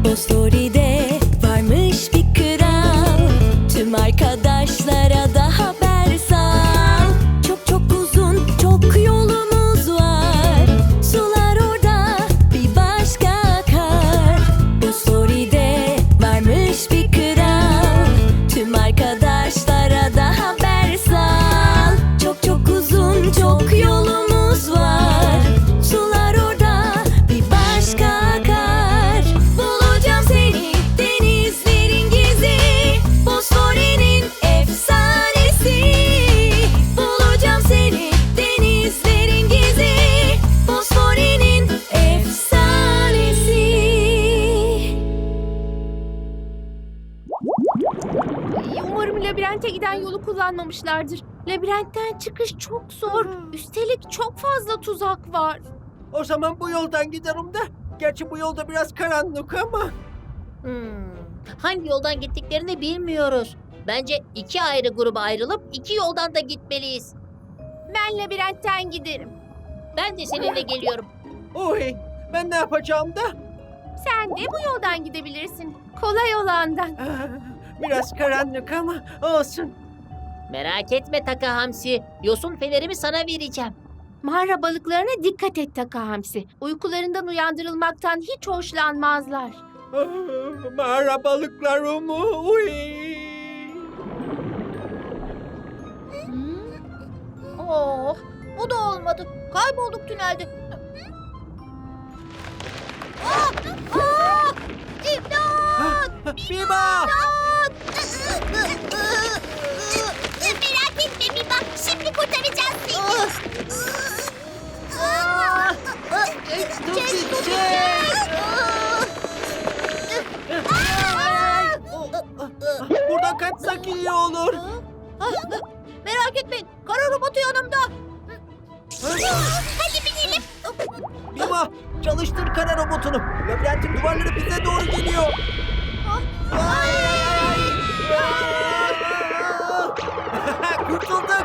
Bosfori'de varmış bir kral. Tüm arkadaşlara da haber sal. Çok çok uzun, çok yolumuz var. Sular orada bir başka akar. Bosfori'de varmış bir kral. Tüm arkadaşlara da haber sal. Çok çok uzun, çok yolumuz var. Sular orada bir başka akar. Bulacağım seni denizlerin gizli. Bosfori'nin efsanesi. Bulacağım seni denizlerin gizli. Bosfori'nin efsanesi. Umarım labirente giden yolu kullanmamışlardır. Labirentten çıkış çok zor. Üstelik çok fazla tuzak var. O zaman bu yoldan giderim de. Gerçi bu yolda biraz karanlık ama. Hangi yoldan gittiklerini bilmiyoruz. Bence iki ayrı gruba ayrılıp iki yoldan da gitmeliyiz. Ben labirentten giderim. Ben de seninle geliyorum. Oy, ben ne yapacağım da? Sen de bu yoldan gidebilirsin. Kolay olandan. Biraz karanlık ama olsun. Merak etme Taka Hamsi. Yosun fenerimi sana vereceğim. Mağara balıklarına dikkat et Taka Hamsi. Uykularından uyandırılmaktan hiç hoşlanmazlar. Mağara balıklarım. Uy. Oh, bu da olmadı. Kaybolduk tünelde. Biba! Merak etme Biba, şimdi kurtaracağız seni. Buradan kaçsak iyi olur. Merak etmeyin. Kara robotu yanımda. Hadi binelim. Biba, çalıştır kara robotunu. Labirentin duvarları bize doğru geliyor. Kurtulduk.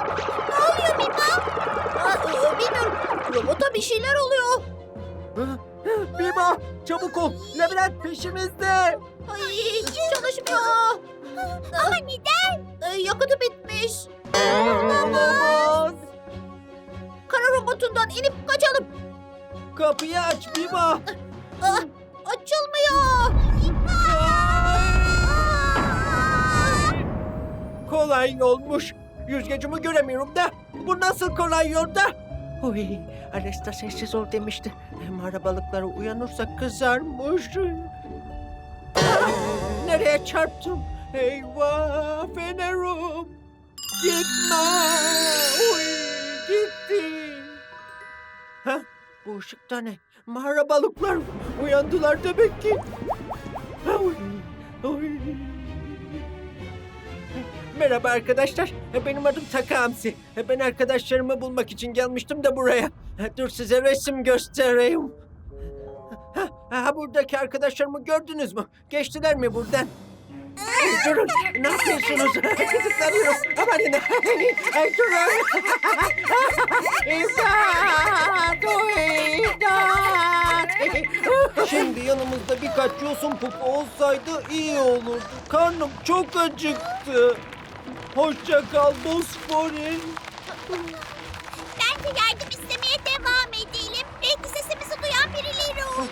Bilmiyorum. Robota bir şeyler oluyor. Biba, çabuk ol. Labirent peşimizde. Ay, hiç çalışmıyor. Ama neden? Yakıtı bitmiş. Olamaz. Kara robotundan inip kaçalım. Kapıyı aç Biba. Açılmıyor. Kolay yolmuş. Yüzgecimi göremiyorum da. Bu nasıl kolay yolda? Oy, Alesta sessiz ol demişti. Mağara balıkları uyanırsa kızarmış. Nereye çarptım? Eyvah, fenerim. Gitme. Oy, gitti. Ha, bu ışıkta ne? Mağara balıklar uyandılar demek ki. Oy, oy. Merhaba arkadaşlar. Benim adım Taka Hamsi. Ben arkadaşlarımı bulmak için gelmiştim de buraya. Dur size resim göstereyim. Buradaki arkadaşlarımı gördünüz mü? Geçtiler mi buradan? Durun. Ne yapıyorsunuz? Kızıklanıyorum. Amanın. Durun. İmdat! İmdat! Şimdi yanımızda birkaç yosun pupu olsaydı iyi olurdu. Karnım çok acıktı. Hoşça kal Bosfori. Bence yardım istemeye devam edelim. Belki sesimizi duyan birileri olur.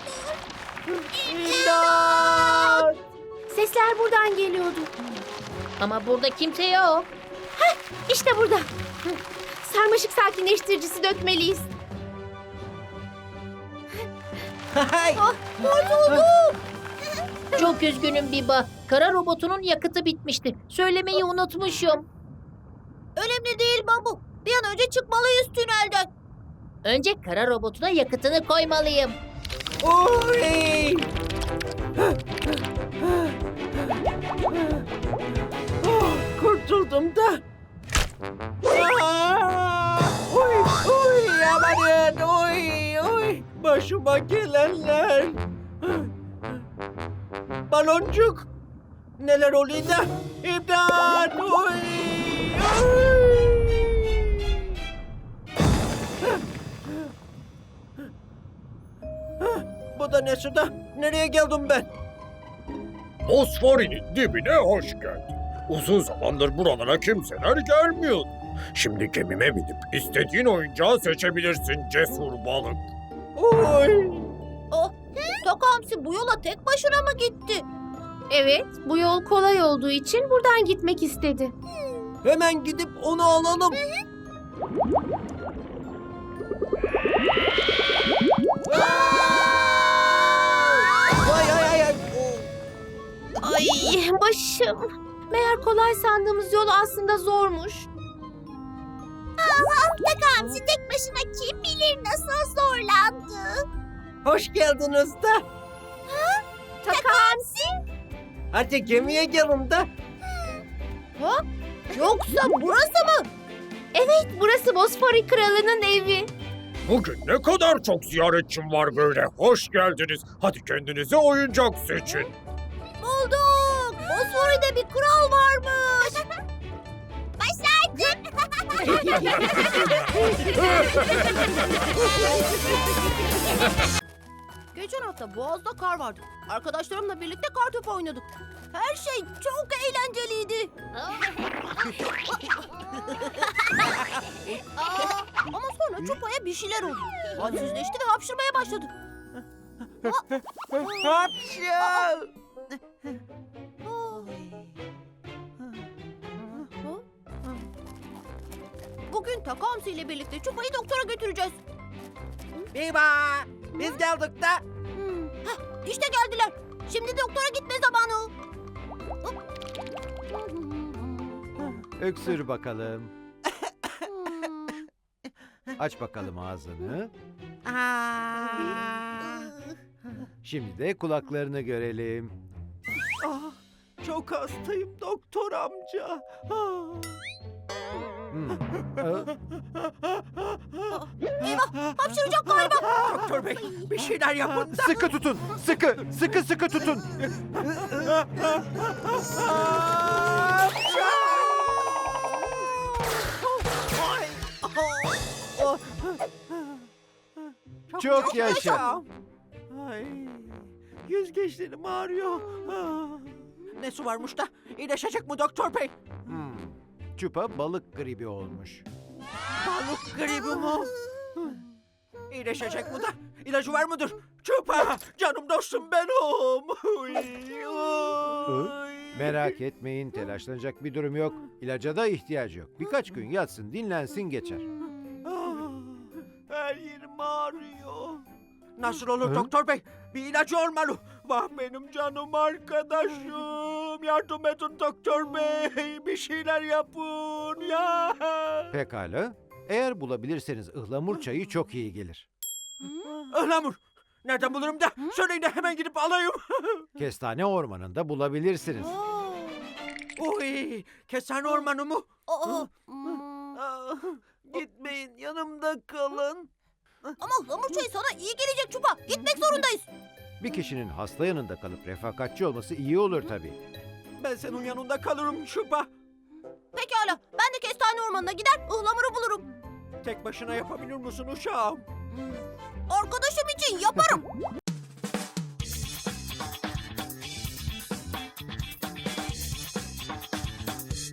İmdat! Sesler buradan geliyordu. Ama burada kimse yok. İşte burada. Sarmaşık sakinleştiricisi dökmeliyiz. Hay! Çok üzgünüm Biba. Kara robotunun yakıtı bitmişti. Söylemeyi unutmuşum. Önemli değil Babu. Bir an önce çıkmalıyız tünelden. Önce kara robotuna yakıtını koymalıyım. Oy! Kurtuldum da. Oy, oy, amanın, oy, oy. Başıma gelenler. Baloncuk. Neler oluyor da? İmdat, oy, oy. Bu Bu da ne suda? Nereye geldim ben? Bosfor'un dibine hoş geldin. Uzun zamandır buralara kimseler gelmiyordu. Şimdi gemime binip istediğin oyuncağı seçebilirsin cesur balık. Oy! Takamsi bu yola tek başına mı gitti? Evet, bu yol kolay olduğu için buradan gitmek istedi. Hemen gidip onu alalım. Ay ay ay ay. Ay başım. Meğer kolay sandığımız yol aslında zormuş. Takamsi tek başına kim bilir nasıl zorlandı. Hoş geldiniz de. Takamsi? Hadi gemiye gelin de. Yoksa burası mı? Evet, burası Bosfori Kralı'nın evi. Bugün ne kadar çok ziyaretçim var böyle. Hoş geldiniz. Hadi kendinize oyuncak seçin. Bulduk. Bosfori'de bir kral varmış. Başardık. Geçen hafta Boğaz'da kar vardı. Arkadaşlarımla birlikte kartopu oynadık. Her şey çok eğlenceliydi. Ama sonra Çupa'ya bir şeyler oldu. Halsizleşti ve hapşırmaya başladı. Hapşal! Bugün Takamsi ile birlikte Çupa'yı doktora götüreceğiz. Biba! Biz geldik de. İşte geldiler. Şimdi doktora gitme zamanı. Öksür bakalım. Aç bakalım ağzını. Şimdi de kulaklarını görelim. Ah, çok hastayım doktor amca. Ah. Hmm. Aa, Hapşıracak galiba. Doktor bey bir şeyler yapın da. Sıkı tutun. Sıkı. Sıkı sıkı tutun. Ay. Oh. Çok yaşa. Ay. Yüzgeçlerim ağrıyor. Ah. Ne su varmış da? İyileşecek mi doktor bey? Hmm. Çupa balık gribi olmuş. Balık gribi mi? İyileşecek mi da? İlacı var mıdır? Çupa! Canım dostum benim. Uy, uy. Merak etmeyin, telaşlanacak bir durum yok. İlaca da ihtiyacı yok. Birkaç gün yatsın, dinlensin, geçer. Ah, her yerim ağrıyor. Nasıl olur Hı? doktor bey? Bir ilacı olmalı. Vah benim canım arkadaşım. Yardım edin doktor bey. Bir şeyler yapın ya. Pekala. Eğer bulabilirseniz ıhlamur çayı çok iyi gelir. Ihlamur. Nereden bulurum da? Söyleyin de hemen gidip alayım. Kestane ormanında bulabilirsiniz. Uy, kestane ormanı mı? Ah, gitmeyin yanımda kalın. Ama ıhlamur çayı sana iyi gelecek Çupa. Gitmek zorundayız. Bir kişinin hasta yanında kalıp refakatçi olması iyi olur tabii. Ben senin yanında kalırım Şuba. Pekala. Ben de kestane ormanına gider ıhlamuru bulurum. Tek başına yapabilir misin uşağım? Arkadaşım için yaparım.